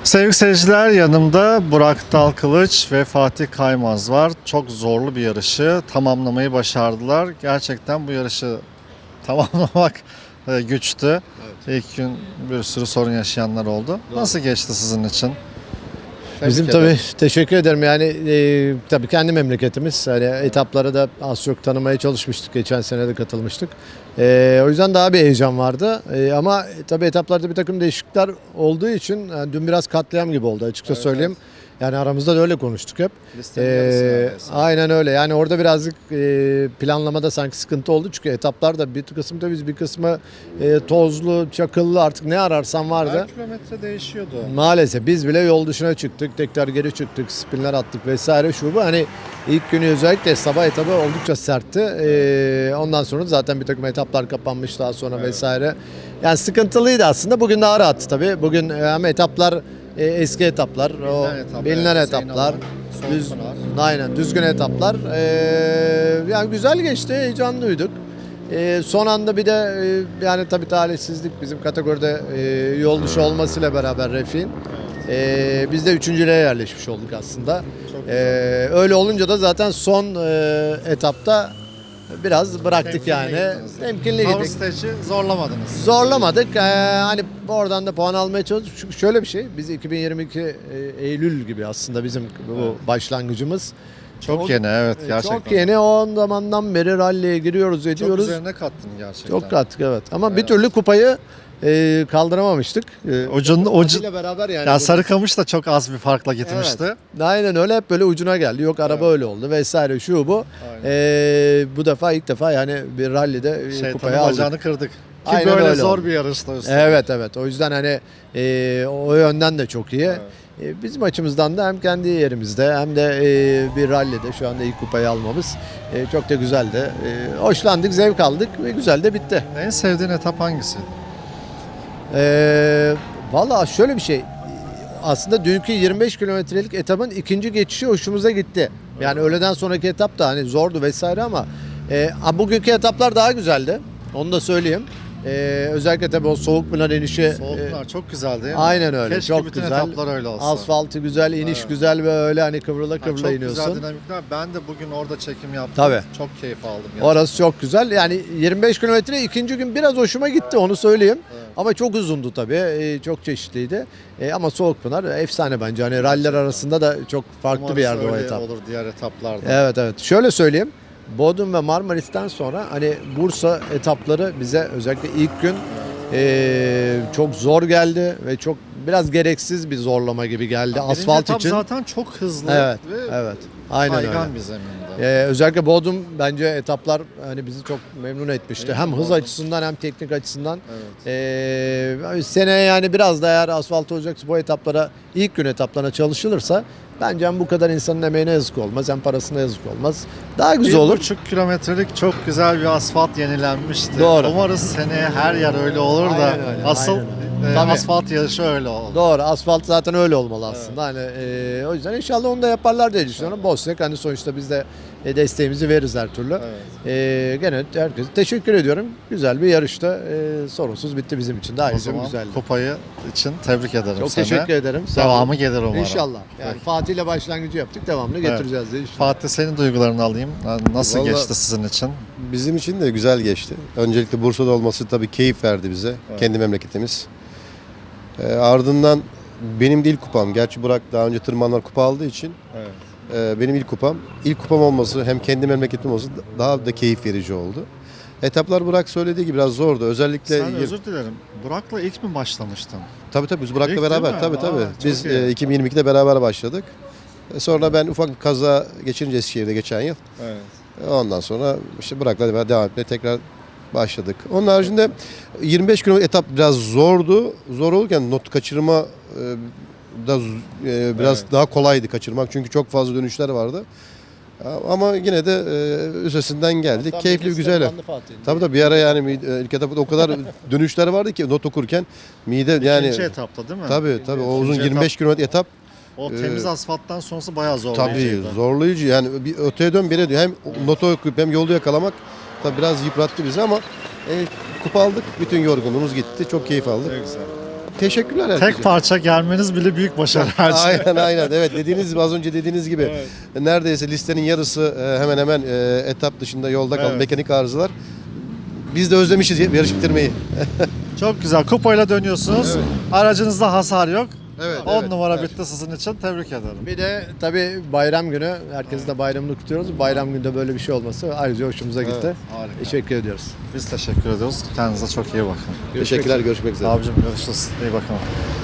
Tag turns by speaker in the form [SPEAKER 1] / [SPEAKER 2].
[SPEAKER 1] Sevgili seyirciler, yanımda Burak Dalkılıç ve Fatih Kaymaz var. Çok zorlu bir yarışı tamamlamayı başardılar. Gerçekten bu yarışı tamamlamak güçtü. Evet. İlk gün bir sürü sorun yaşayanlar oldu. Doğru. Nasıl geçti sizin için?
[SPEAKER 2] Bizim tabii teşekkür ederim. Yani tabii kendi memleketimiz. Hani etapları da az çok tanımaya çalışmıştık. Geçen sene de katılmıştık. O yüzden daha bir heyecan vardı. Ama tabii etaplarda bir takım değişiklikler olduğu için yani dün biraz katliam gibi oldu açıkça söyleyeyim. Evet. Yani aramızda da öyle konuştuk hep. Aynen öyle. Yani orada birazcık planlamada sanki sıkıntı oldu. Çünkü etaplarda bir kısmı da biz bir kısmı tozlu, çakıllı artık ne ararsan vardı.
[SPEAKER 1] Her kilometre değişiyordu.
[SPEAKER 2] Maalesef biz bile yol dışına çıktık. Tekrar geri çıktık. Spinler attık vesaire şu bu. Hani ilk günü özellikle sabah etabı oldukça sertti. Ondan sonra zaten bir takım etaplar kapanmış daha sonra vesaire. Yani sıkıntılıydı aslında. Bugün daha rahattı tabii. Bugün hem etaplar eski etaplar, bilinen etaplar, aynen düzgün etaplar. Yani güzel geçti, heyecanlıydık. Son anda bir de yani tabii talihsizlik bizim kategoride yol dışı olmasıyla beraber Refik'in. Biz de üçüncülüğe yerleşmiş olduk aslında. Öyle olunca da zaten son etapta biraz bıraktık yani. Temkinli gittik.
[SPEAKER 1] Stage'i zorlamadınız.
[SPEAKER 2] Zorlamadık. Hani oradan da puan almaya çalıştık. Çünkü şöyle bir şey. Biz 2022 Eylül gibi aslında bizim bu başlangıcımız.
[SPEAKER 1] Çok yeni, evet, gerçekten.
[SPEAKER 2] Çok yeni. O zamandan beri rally'ye giriyoruz, ediyoruz.
[SPEAKER 1] Çok üzerine kattın gerçekten.
[SPEAKER 2] Çok kattık, evet. Ama bir türlü kupayı kaldıramamıştık.
[SPEAKER 1] Ucuyla
[SPEAKER 2] beraber yani.
[SPEAKER 1] Ya Sarıkamış da çok az bir farkla gitmişti.
[SPEAKER 2] Evet. Aynen öyle, hep böyle ucuna geldi. Yok araba öyle oldu vesaire şu bu. Bu defa ilk defa yani bir rally'de kupayı aldık.
[SPEAKER 1] Bacağını kırdık. Ki
[SPEAKER 2] Aynen
[SPEAKER 1] böyle
[SPEAKER 2] öyle
[SPEAKER 1] zor
[SPEAKER 2] oldu.
[SPEAKER 1] bir yarışta üstelik.
[SPEAKER 2] Evet. O yüzden hani o yönden de çok iyi. Evet. Bizim açımızdan da hem kendi yerimizde hem de bir rally'de şu anda ilk kupayı almamız çok da güzeldi. Hoşlandık, zevk aldık ve güzel de bitti.
[SPEAKER 1] En sevdiğin etap hangisi?
[SPEAKER 2] Valla şöyle bir şey. Aslında dünkü 25 kilometrelik etapın ikinci geçişi hoşumuza gitti. Yani öğleden sonraki etap da hani zordu vesaire ama bugünkü etaplar daha güzeldi. Onu da söyleyeyim. Özellikle tabii o Soğukpınar inişi.
[SPEAKER 1] Soğukpınar çok güzel değil mi?
[SPEAKER 2] Aynen öyle.
[SPEAKER 1] Keşke
[SPEAKER 2] çok
[SPEAKER 1] bütün
[SPEAKER 2] güzel.
[SPEAKER 1] etaplar öyle olsa.
[SPEAKER 2] Asfaltı güzel, iniş güzel ve öyle hani kıvrıla iniyorsun.
[SPEAKER 1] Çok güzel dinamikler. Ben de bugün orada çekim yaptım.
[SPEAKER 2] Tabii.
[SPEAKER 1] Çok keyif aldım. Gerçekten.
[SPEAKER 2] Orası çok güzel. Yani 25 kilometre ikinci gün biraz hoşuma gitti, onu söyleyeyim. Evet. Ama çok uzundu tabii. Çok çeşitliydi. Ama Soğukpınar efsane bence. Hani ralliler arasında da çok farklı
[SPEAKER 1] Umarız
[SPEAKER 2] bir yerde
[SPEAKER 1] öyle
[SPEAKER 2] o etap.
[SPEAKER 1] olur diğer etaplarda.
[SPEAKER 2] Evet. Şöyle söyleyeyim. Bodrum ve Marmaris'ten sonra hani Bursa etapları bize özellikle ilk gün çok zor geldi ve çok biraz gereksiz bir zorlama gibi geldi asfalt için.
[SPEAKER 1] Zaten çok hızlı
[SPEAKER 2] Evet. Aynen
[SPEAKER 1] kaygan
[SPEAKER 2] öyle.
[SPEAKER 1] bir zeminde.
[SPEAKER 2] Özellikle Bodrum bence etaplar hani bizi çok memnun etmişti. Hem hız açısından hem teknik açısından. Evet. Seneye yani biraz da eğer asfalt olacaksa bu etaplara ilk gün etaplarına çalışılırsa bence hem bu kadar insanın emeğine yazık olmaz hem parasına yazık olmaz. Daha güzel olur.
[SPEAKER 1] 1,5 kilometrelik çok güzel bir asfalt yenilenmişti.
[SPEAKER 2] Doğru.
[SPEAKER 1] Umarız seneye her yer öyle olur da
[SPEAKER 2] Aynen öyle,
[SPEAKER 1] asıl
[SPEAKER 2] Tabii.
[SPEAKER 1] asfalt yarışı öyle olur.
[SPEAKER 2] Doğru. Asfalt zaten öyle olmalı aslında. Evet. Hani o yüzden inşallah onu da yaparlar diye düşünüyorum. Bozsak hani sonuçta biz de desteğimizi veririz her türlü. Evet. Gene herkese teşekkür ediyorum. Güzel bir yarışta sorunsuz bitti bizim için. Daha güzeldi.
[SPEAKER 1] Kupayı için tebrik ederim
[SPEAKER 2] Çok
[SPEAKER 1] seni.
[SPEAKER 2] teşekkür ederim.
[SPEAKER 1] Devamı gelir umarım.
[SPEAKER 2] İnşallah. Yani Fatih ile başlangıcı yaptık. Devamlı getireceğiz diye düşünüyorum.
[SPEAKER 1] Fatih, senin duygularını alayım. Nasıl geçti sizin için?
[SPEAKER 3] Bizim için de güzel geçti. Öncelikle Bursa'da olması tabii keyif verdi bize. Evet. Kendi memleketimiz. Ardından benim de ilk kupam. Gerçi Burak daha önce tırmanlar kupa aldığı için benim ilk kupam. İlk kupam olması hem kendi memleketim olsun daha da keyif verici oldu. Etaplar Burak söylediği gibi biraz zordu. Özellikle
[SPEAKER 1] Sen özür dilerim. Burak'la ilk mi başlamıştın?
[SPEAKER 3] Tabii biz Burak'la
[SPEAKER 1] İlk
[SPEAKER 3] beraber. Tabii. Biz 2022'de beraber başladık. Sonra ben ufak bir kaza geçirince Eskişehir'de geçen yıl. Evet. Ondan sonra işte Burak'la devam etmeye tekrar başladık. Onun haricinde 25 kilometre etap biraz zordu. Zor olurken not kaçırma da biraz daha kolaydı kaçırmak. Çünkü çok fazla dönüşler vardı. Ama yine de üstesinden geldik. Hatta keyifli, güzel. Tabii bir ara yani ilk etapta o kadar dönüşler vardı ki not okurken mide yani.
[SPEAKER 1] İkinci etapta değil mi?
[SPEAKER 3] Tabii o uzun 25 kilometre etap.
[SPEAKER 1] O temiz asfalttan sonrası bayağı zorlayıcıydı.
[SPEAKER 3] Tabii zorlayıcı yani bir öteye dön bire diyor. Hem notu okuyup hem yolu yakalamak tabii biraz yıprattı bizi ama kupa aldık. Bütün yorgunluğumuz gitti. Çok keyif aldık.
[SPEAKER 1] Güzel.
[SPEAKER 3] teşekkürler herkese.
[SPEAKER 1] Tek parça gelmeniz bile büyük başarı her şey.
[SPEAKER 3] Aynen evet dediğiniz az önce dediğiniz gibi neredeyse listenin yarısı hemen hemen etap dışında yolda kaldı,
[SPEAKER 1] Evet.
[SPEAKER 3] mekanik arızalar. Biz de özlemişiz yarış bitirmeyi.
[SPEAKER 1] Çok güzel. Kupayla dönüyorsunuz.
[SPEAKER 3] Evet.
[SPEAKER 1] Aracınızda hasar yok.
[SPEAKER 3] Evet,
[SPEAKER 1] 10 numara
[SPEAKER 3] evet.
[SPEAKER 1] bitti sizin için. Tebrik ederim.
[SPEAKER 2] Bir de tabii bayram günü, herkesin de bayramını kutluyoruz. Bayram günde böyle bir şey olması ayrıca hoşumuza gitti.
[SPEAKER 1] Evet, harika.
[SPEAKER 2] Teşekkür ediyoruz.
[SPEAKER 1] Biz teşekkür ediyoruz. Kendinize çok iyi bakın.
[SPEAKER 3] Teşekkürler, görüşmek üzere.
[SPEAKER 1] Abicim görüşürüz. İyi bakın.